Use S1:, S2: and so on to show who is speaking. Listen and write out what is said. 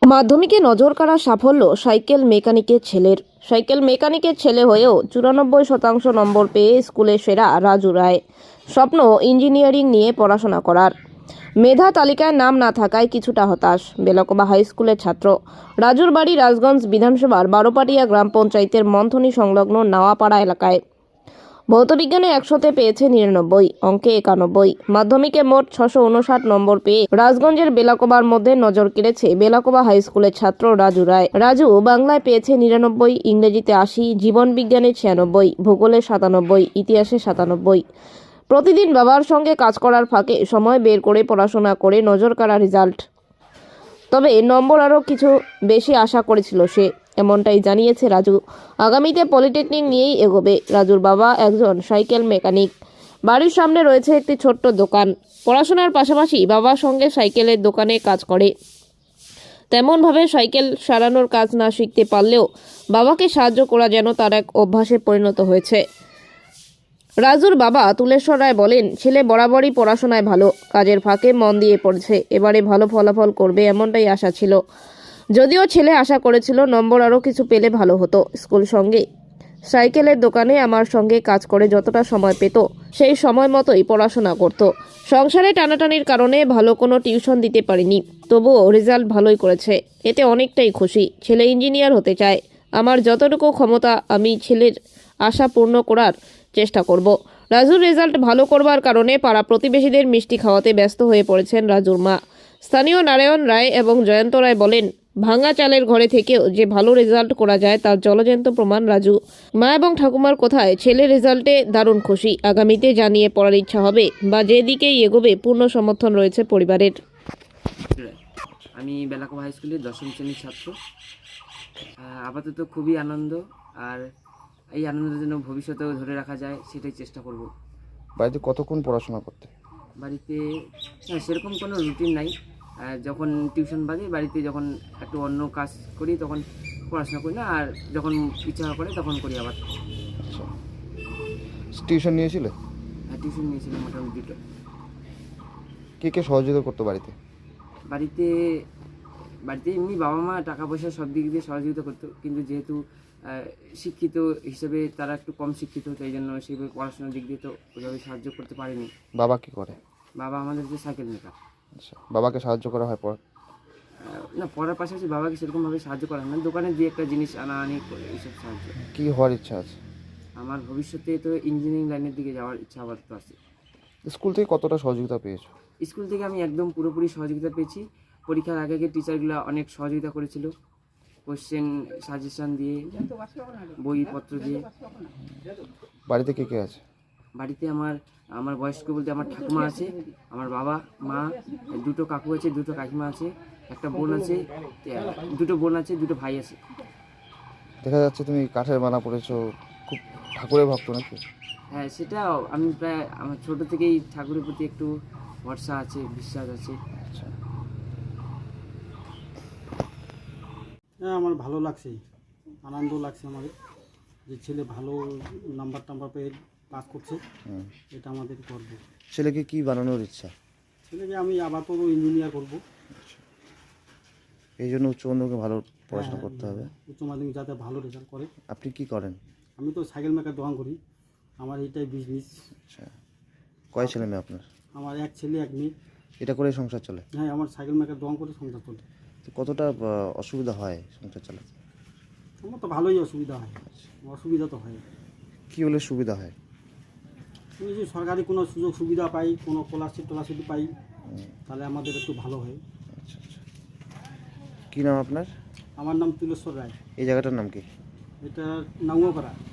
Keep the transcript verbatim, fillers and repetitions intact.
S1: মাধ্যমিকে নজরকাড়া সাফল্য সাইকেল মেকানিকের ছেলের। সাইকেল মেকানিকের ছেলে হয়েও চুরানব্বই শতাংশ নম্বর পেয়ে স্কুলে সেরা রাজু রায়। স্বপ্ন ইঞ্জিনিয়ারিং নিয়ে পড়াশোনা করার। মেধা তালিকায় নাম না থাকায় কিছুটা হতাশ বেলাকোবা হাই স্কুলের ছাত্র। রাজুর বাড়ি রাজগঞ্জ বিধানসভার বারোপাটিয়া গ্রাম পঞ্চায়েতের মন্থনী সংলগ্ন নাওয়াপাড়া এলাকায়। ভৌতবিজ্ঞানে একশোতে পেয়েছে নিরানব্বই, অঙ্কে একানব্বই। মাধ্যমিকে মোট ছশো উনষাট নম্বর পেয়ে রাজগঞ্জের বেলাকোবার মধ্যে নজর কেড়েছে বেলাকোবা হাই স্কুলের ছাত্র রাজু রায়। রাজু বাংলায় পেয়েছে নিরানব্বই, ইংরেজিতে আশি, জীবন বিজ্ঞানে ছিয়ানব্বই, ভূগোলে সাতানব্বই, ইতিহাসে সাতানব্বই। প্রতিদিন বাবার সঙ্গে কাজ করার ফাঁকে সময় বের করে পড়াশোনা করে নজর কাড়া রেজাল্ট। তবে নম্বর আরও কিছু বেশি আশা করেছিল সে, এমনটাই জানিয়েছে রাজু। আগামীতে পলিটেকনিক নিয়েই এগোবে। রাজুর বাবা একজন সাইকেল মেকানিক। বাড়ির সামনে রয়েছে একটি ছোট্ট দোকান। পড়াশোনার পাশাপাশি বাবার সঙ্গে সাইকেলের দোকানে কাজ করে। তেমনভাবে সাইকেল সারানোর কাজ না শিখতে পারলেও বাবাকে সাহায্য করা যেন তার এক অভ্যাসে পরিণত হয়েছে। রাজুর বাবা তুলেশ্বর রায় বলেন, ছেলে বরাবরই পড়াশোনায় ভালো, কাজের ফাঁকে মন দিয়ে পড়ছে। এবারে ভালো ফলাফল করবে এমনটাই আশা ছিল। যদিও ছেলে আশা করেছিল নম্বর আরও কিছু পেলে ভালো হতো। স্কুল সঙ্গে সাইকেলের দোকানে আমার সঙ্গে কাজ করে যতটা সময় পেত সেই সময় মতোই পড়াশোনা করত। সংসারে টানাটানির কারণে ভালো কোনো টিউশন দিতে পারিনি, তবুও রেজাল্ট ভালোই করেছে। এতে অনেকটাই খুশি। ছেলে ইঞ্জিনিয়ার হতে চায়। আমার যতটুকু ক্ষমতা আমি ছেলের আশা পূর্ণ করার চেষ্টা করব। রাজুর রেজাল্ট ভালো করবার কারণে পাড়া প্রতিবেশীদের মিষ্টি খাওয়াতে ব্যস্ত হয়ে পড়েছেন রাজুর মা। স্থানীয় নারায়ণ রায় এবং জয়ন্ত রায় বলেন, ভাঙা চালের ঘরে থেকেও যে ভালো রেজাল্ট করা যায় তার জলজ্যান্ত প্রমাণ রাজু। মা এবং ঠাকুমার কথায় ছেলে রেজাল্টে দারুণ খুশি। আগামীতে জানিয়ে পড়ার ইচ্ছা হবে বা যেদিকেই এগোবে পূর্ণ সমর্থন রয়েছে পরিবারের।
S2: আমি বেলাকোবা হাই স্কুলের দশম শ্রেণীর ছাত্র। আপাতত খুবই আনন্দ, আর এই আনন্দের জন্য ভবিষ্যতেও ধরে রাখা যায় সেটাই চেষ্টা করব।
S3: বাড়িতে কতক্ষণ পড়াশোনা করতে?
S2: বাড়িতে হ্যাঁ সেরকম কোনো রুটিন নাই। যখন টিউশন বাদে বাড়িতে যখন একটু অন্য কাজ করি তখন পড়াশোনা করি না, আর যখন ইচ্ছা করে তখন করি আবার।
S3: আচ্ছা, টিউশন নিয়েছিলে?
S2: হ্যাঁ টিউশন নিয়েছিলাম মোটামুটি দুটো।
S3: কে কে সহযোগিতা করতো বাড়িতে?
S2: বাড়িতে বাড়িতে এমনি বাবা মা টাকা পয়সা সব দিক দিয়ে সহযোগিতা করতো, কিন্তু যেহেতু শিক্ষিত হিসেবে তারা একটু কম শিক্ষিত, তাই জন্য সেইভাবে পড়াশোনার দিক দিয়ে তো ওইভাবে সাহায্য করতে পারেনি।
S3: বাবা কি করে?
S2: বাবা আমাদের যে সাইকেল মেকার।
S3: আচ্ছা, বাবাকে সাহায্য করা হয় পড়া?
S2: না, পড়ার পাশাপাশি বাবাকে সেরকমভাবে সাহায্য করা হয় না, দোকানে দিয়ে একটা জিনিস আনা আনি করে এইসব সাহায্য।
S3: কি হওয়ার ইচ্ছা আছে?
S2: আমার ভবিষ্যতে তো ইঞ্জিনিয়ারিং লাইনের দিকে যাওয়ার ইচ্ছা আপাতত আছে।
S3: স্কুল থেকে কতটা সহযোগিতা পেয়েছো?
S2: স্কুল থেকে আমি একদম পুরোপুরি সহযোগিতা পেয়েছি। পরীক্ষার আগে আগে টিচারগুলো অনেক সহযোগিতা করেছিল, কোশ্চেন সাজেশন দিয়ে, বইপত্র দিয়ে।
S3: বাড়িতে কে কে আছে?
S2: বাড়িতে আমার আমার বয়স্ক বলতে আমার ঠাকুমা আছে, আমার বাবা মা, দুটো কাকু আছে, দুটো কাকিমা আছে, একটা বোন আছে, দুটো বোন আছে, দুটো ভাই আছে।
S3: দেখা যাচ্ছে তুমি কাঠের বানা পড়েছো, খুব ঠাকুরের ভক্ত নাকি?
S2: হ্যাঁ, সেটা আমি প্রায় আমার ছোটো থেকেই ঠাকুরের প্রতি একটু ভরসা আছে, বিশ্বাস আছে।
S3: আচ্ছা,
S4: হ্যাঁ আমার ভালো লাগছে, আনন্দ লাগছে আমাদের যে ছেলে ভালো নাম্বার টাম্বার পেয়ে পাস করছে, এটা আমাদের গর্ব।
S3: ছেলেকে কি বানানোর ইচ্ছা?
S4: ছেলেকে আমি আপাতত ইঞ্জিনিয়ার করবো।
S3: এই জন্য উচ্চ মাধ্যমিকে ভালো পড়াশোনা করতে হবে।
S4: উচ্চ মাধ্যমিক যাতে ভালো রেজাল্ট করে।
S3: আপনি কি করেন?
S4: আমি তো সাইকেল মেকার দোকান করি, আমার এইটাই বিজনেস।
S3: আচ্ছা, কয় ছেলে মেয়ে আপনার?
S4: আমার এক ছেলে এক মেয়ে।
S3: এটা করে সংসার চলে?
S4: হ্যাঁ, আমার সাইকেল মেকার দোকান করে সংসার চলে।
S3: তো কতটা অসুবিধা হয় সংসার চালাতে?
S4: আমার তো ভালোই অসুবিধা হয়। অসুবিধা তো হয়।
S3: কী হলে সুবিধা হয়?
S4: আমি যদি সরকারি কোনো সুযোগ সুবিধা পাই, কোনো স্কলারশিপ টলারশিপ পাই, তাহলে আমাদের একটু ভালো হয়।
S3: আচ্ছা আচ্ছা, কী নাম আপনার?
S4: আমার নাম তুলেশ্বর রায়।
S3: এই জায়গাটার নাম কি?
S4: এটা নাঙ্গপাড়া।